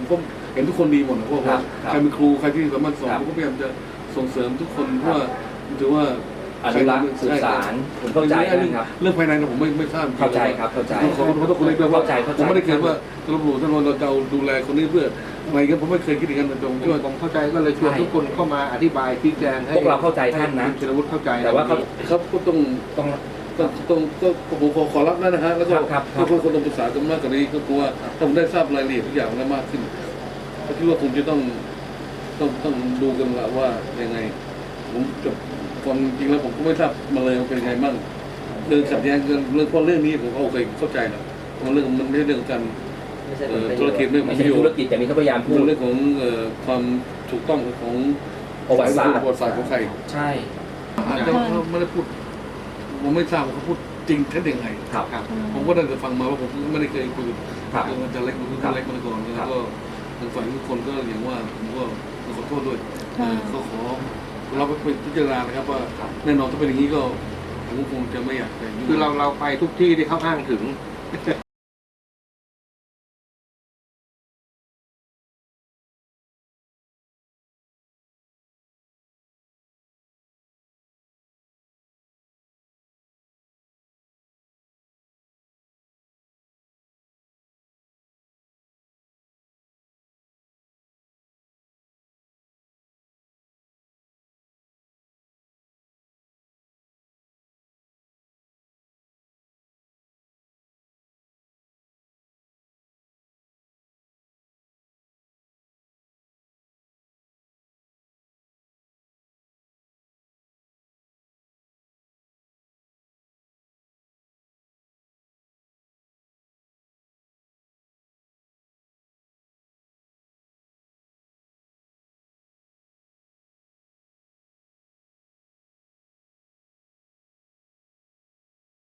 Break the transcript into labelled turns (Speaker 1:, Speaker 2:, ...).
Speaker 1: ก็เห็นทุกคนดีหมดนะเพราะว่าใครเป็นครูใครที่สามารถสอนผมก็พยายามจะส่งเสริมทุกคนเพราะว่าถือว่า
Speaker 2: อนุรักษ์สื่อสารผมเข้าใจนะครับ
Speaker 1: เรื่องภายในผมไม่ทราบ
Speaker 2: เข้าใจครับเข้าใจ
Speaker 1: ขอโทษคนเล็กด้วยว่าผมไม่ได้คิดว่าตำรวจเราจะดูแลคนนี้เพื่ออะไรกันผมไม่เคยคิดอย่างนั้นตรงที่ว่า
Speaker 3: ผมเข้าใจก็เลยชวนทุกคนเข้ามาอธิบายชี้แจงให้
Speaker 2: พวกเราเข้าใจท่านนะ
Speaker 3: เชลวุฒิเข้าใจ
Speaker 2: แต่ว่า
Speaker 1: เขาก็ต้องผมขอรับนะฮะแล้วก็ทุกคนต้องปรึกษากันมากกว่านี้ก็กลัวถ้าผมได้ทราบรายละเอียดทุกอย่างแล้วมากขึ้นก็คิดว่าคงจะต้องดูกันละว่ายังไงผมจะความจริงแล้วผมก็ไม่ทราบมาเลยว่าเป็นยังไงบ้างเรื่องขัดแย้งกันเรื่องเพราะเรื่องนี้ผมก็โอเคเข้าใจนะมันเรื่องมันไม่ใช่เรื่องการธุรกิจไม่ใช่
Speaker 2: ธุรกิจแต่นี้เขาพยายามพูด
Speaker 1: เรื่องของความถูกต้องของ
Speaker 2: ประวัติศาสตร์
Speaker 1: ของใคร
Speaker 2: ใช่
Speaker 1: อาจจะไม่ได้พูดผมไม่ทราบว่าเขาพูดจริงแท้ยังไงผมก็ได้แต่ฟังมาว่าผมไม่ได้เคยคุยกับอาจารย์เล็กมาก่อนแล้วก็ทางฝ่ายทุกคนก็อย่างว่าผมก็ขอโทษด้วยเขาขอเราไปพิจารณานะครับว่าแน่นอนถ้าเป็นอย่างนี้ก็ผมคงจะไม่อยากไป
Speaker 3: คือเราไปทุกที่ที่เขาอ้างถึง